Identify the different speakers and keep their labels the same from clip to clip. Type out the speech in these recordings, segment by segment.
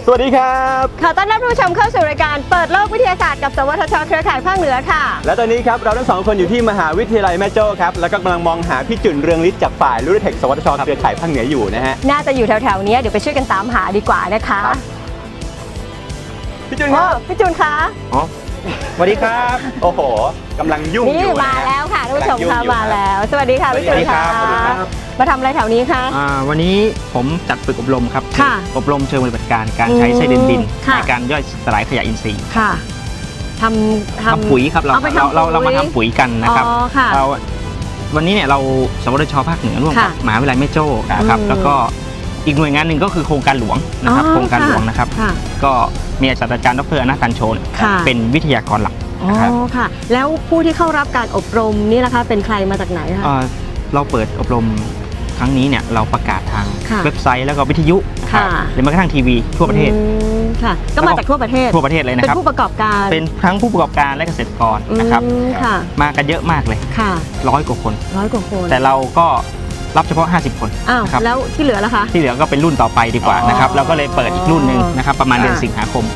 Speaker 1: สวัสดีครับ
Speaker 2: ขอต้อนรับผู้ชมเข้าสู่รายการเปิดโลกวิทยาศาสตร์กับสวทชเครือข่ายภาคเหนือค่ะ
Speaker 1: และตอนนี้ครับเราทั้งสองคนอยู่ที่มหาวิทยาลัยแม่โจ้ครับแล้วก็กำลังมองหาพี่จุนเรืองฤทธิ์จากฝ่ายรูเทคสวทชเครือข่ายภาคเหนืออยู่นะฮะ
Speaker 2: น่าจะอยู่แถวๆนี้เดี๋ยวไปช่วยกันตามหาดีกว่านะคะ
Speaker 1: พี่จุนครับ
Speaker 2: พี่จุนคะ
Speaker 3: สวัสดีครับ
Speaker 1: โอ้โหกำลังยุ่งอ
Speaker 2: นี่
Speaker 1: ยู่
Speaker 2: มาแล้วค่ะท่านผู้ชมค่ะมา
Speaker 1: แล้
Speaker 2: แล้ว วสวัสดีค่ะพี่จุนค่ะมาทำอะไรแถวนี้คะ
Speaker 3: วันนี้ผมจัดฝึกอบรมครับอบรมเชิงปฏิบัติการการใช้ไส้เดือนดินในการย่อยสลายขยะอินทรีย์
Speaker 2: ค่ะท
Speaker 3: ำปุ๋ยครับเรามาทำปุ๋ยกันนะครับเราวันนี้เนี่ยเราสวทชภาคเหนือร่วมกับมหาวิทยาลัยแม่โจ้ครับแล้วก็อีกหน่วยงานหนึ่งก็คือโครงการหลวงนะครับโครงการหลวงนะครับก็มีศาสตราจารย์ดร.อนันต์กันโชนเป็นวิทยากรหลัก
Speaker 2: นะครับค่ะแล้วผู้ที่เข้ารับการอบรมนี่นะคะเป็นใครมาจากไหนคะ
Speaker 3: เราเปิดอบรมครั้งนี้เนี่ยเราประกาศทางเว็บไซต์แล้วก็วิทยุหรือแม้กระทั่งทีวีทั่วประเทศ
Speaker 2: ค่ะก็มาจากทั่วประเทศ
Speaker 3: เลยนะครับ
Speaker 2: เป็นผู้ประกอบการ
Speaker 3: เป็นทั้งผู้ประกอบการและเกษตรกรนะครับมากันเยอะมากเลย100 กว่าคนแต่เราก็รับเฉพาะ50 คน
Speaker 2: นะครับแล้วที่เหลือล่ะคะ
Speaker 3: ที่เหลือก็เป็นรุ่นต่อไปดีกว่านะครับเราก็เลยเปิดอีกรุ่นหนึ่งนะครับประมาณเดือนสิงหาคม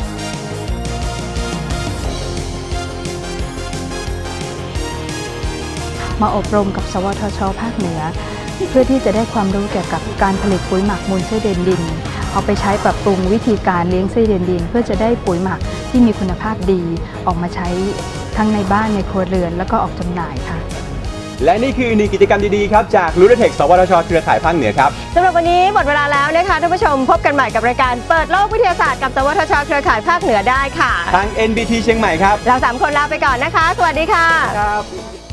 Speaker 4: มาอบรมกับสวทชภาคเหนือเพื่อที่จะได้ความรู้เกี่ยวกับการผลิตปุ๋ยหมักมูลไส้เดือนดินเอาไปใช้ปรับปรุงวิธีการเลี้ยงไส้เดือนดินเพื่อจะได้ปุ๋ยหมักที่มีคุณภาพดีออกมาใช้ทั้งในบ้านในครัวเรือนแล้วก็ออกจำหน่ายค่ะ
Speaker 1: และนี่คือ1กิจกรรมดีๆครับจากรูเทคสวทชเครือข่ายภาคเหนือครับ
Speaker 2: สำหรับวันนี้หมดเวลาแล้วนะคะท่านผู้ชมพบกันใหม่กับรายการเปิดโลกวิทยาศาสตร์กับสวทชเครือข่ายภาคเหนือได้ค่ะ
Speaker 1: ทาง NBT เชียงใหม่ครับ
Speaker 2: เรา3 คนลาไปก่อนนะคะสวัสดีค่ะ
Speaker 1: ครับ